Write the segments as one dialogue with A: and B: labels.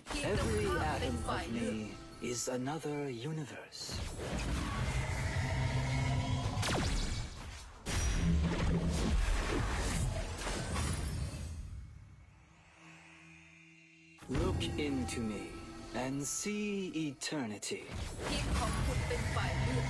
A: Every atom of me is another universe. Look into me and see eternity.
B: ทีมของคุณเป็นฝ่ายเลือก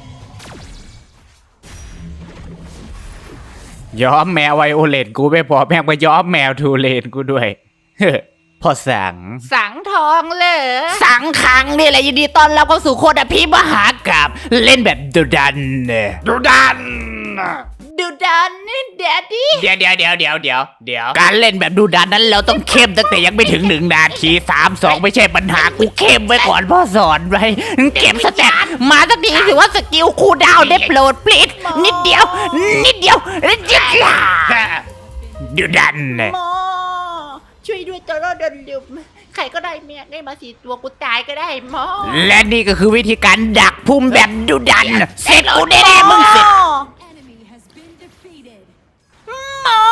C: ย้อมแมวไวโอเลตกูไม่พอแม่งไปย้อมแมวทูเลนกูด้วย พอสัง
B: สังทองเลย
C: สังขังนี่แหละยินดีต้อนรับเข้าสู่โคตรพิมหากาบเล่นแบบดุดันดุดัน
B: ดูดันนี่แดดดี้
C: เดี๋ยวการเล่นแบบดุดันนั้นเราต้องเข้มตั้งแต่ยังไม่ถึง1 นาที3-2ไม่ใช่ปัญหากูเข้มไว้ก่อนพ่อสอนไว้เก็บสแตทมาสักทีสิว่าสกิลคูลดาวน์ได้โปรดพลีดนิดเดียวดุดัน
B: หมอช่วยด้วยตัวเราเดินลืมใครก็ได้แม่ได้มา4 ตัวกูตายก็ได้หมอ
C: และนี่ก็คือวิธีการดักพุ่มแบบดุดันเสร็จกูแน่ๆมึงเสร็จ
D: Enemy has been defeated.
B: หมอ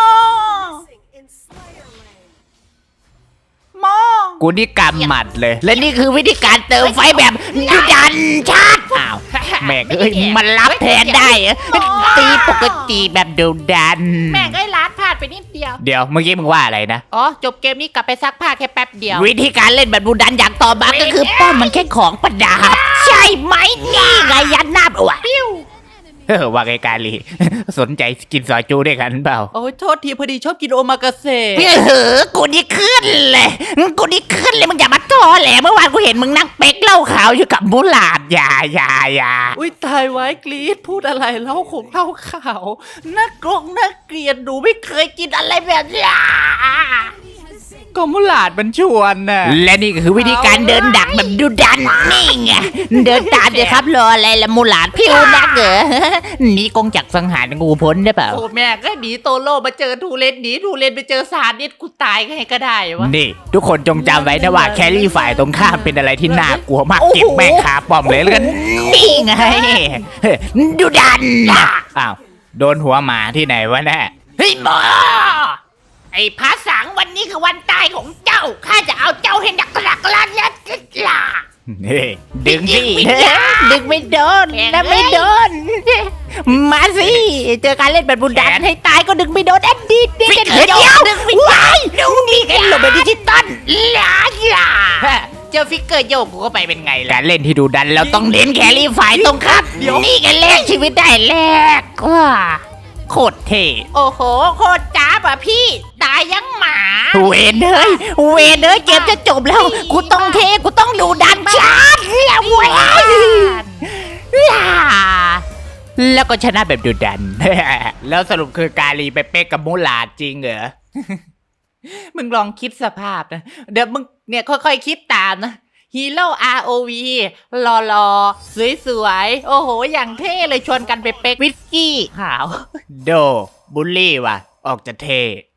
B: หมอ
C: กูนี่กำหมัดเลย และนี่คือวิธีการเติมไฟแบบดุดันชาติอ้าวแม่งเอ้ยมันรับแทนได้เหรอตีปกติแบบดุดัน
B: แม่งไอ้ล้านพลาดไปนิดเดียว
C: เดี๋ยวเมื่อกี้มึงว่าอะไรนะ
B: อ๋อจบเกมนี้กลับไปซักผ้าแค่แป๊บเดียว
C: วิธีการเล่นแบบดุดันอย่างต่อมาก็คือป้อมมันแค่ของประดับใช่ไหมนี่ไงยันหน้าอวดว่าไงกาลี สนใจกินซอยจูด้วยกันเปล่า
B: โอ้ยโทษทีพอดีชอบกินโอมากาเสะ
C: กูนี่ขึ้นเลยมึงอย่ามาท้อแหละเมื่อวานกูเห็นมึงนั่งเป๊กเหล้าขาวอยู่กับมูหลาดอย่า
B: อุ้ยตายไว้กรีดพูดอะไรเล่าของเล่าข่าวน่ากลงน่าเกลียดหนูไม่เคยกินอะไรแบบนี้
C: ก็มูหลาดมันชวนน่ะและนี่ก็คือวิธีการเดินดักแบบดุดันนี่ไงเดินตามเลยครับรออะไรละมูหลาดพิวนักเหรอนี่กงจักรสังหารงูพ้นได้เปล่า
B: โอ้แม่ก็หนีโตโร่มาเจอทูเลนหนีทูเลนไปเจอซาดิสกูตายไงก็ได้วะ
C: นี่ทุกคนจงจำไว้นะว่าแครี่ฝ่ายตรงข้ามเป็นอะไรที่น่ากลัวมากเก็บแม่งคาป้อมเลยแล้วกันนี่ไงดุดันอ้าวโดนหัวหมาที่ไหนวะแน่เฮ้ยหมอไอ้พระสังวันนี้คือวันตายของเจ้าข้าจะเอาเจ้าให้ดักลักนี่ดึงสิดึงไม่โดนนะไม่โดนมาสิเจอการเล่นแบบบุญดันให้ตายก็ดึงไม่โดนดีกันเดียวว้ายดูนี่กันหลบแบบดิจิตอลเจอฟิกเกอร์โยกกูก็ไปเป็นไงล่ะการเล่นที่ดูดันเราต้องเน้นแครี่ฝ่ายตรงครับนี่กันแลกชีวิตได้แลกว่าโคตรเท่
B: โอ้โหโคตรจ้าป่ะพี่ตายยังหมา
C: เวนเอ้ยเกมจะจบแล้วกูต้องเทกูต้องดูดันชาร์จแล้วเว้ยแล้วก็ชนะแบบดูดัน แล้วสรุปคือกาลีไปเป๊กกับมูหลาดจริงเหรอ
B: มึงลองคิดสภาพนะเดี๋ยวมึงเนี่ยค่อยๆคิดตามนะฮีโร่ ROV หล่อๆสวยๆโอ้โหอย่างเท่เลยชวนกันไปเป๊กวิสกี้ขาว
C: โดบุลลี่ว่ะ ออกจะเท่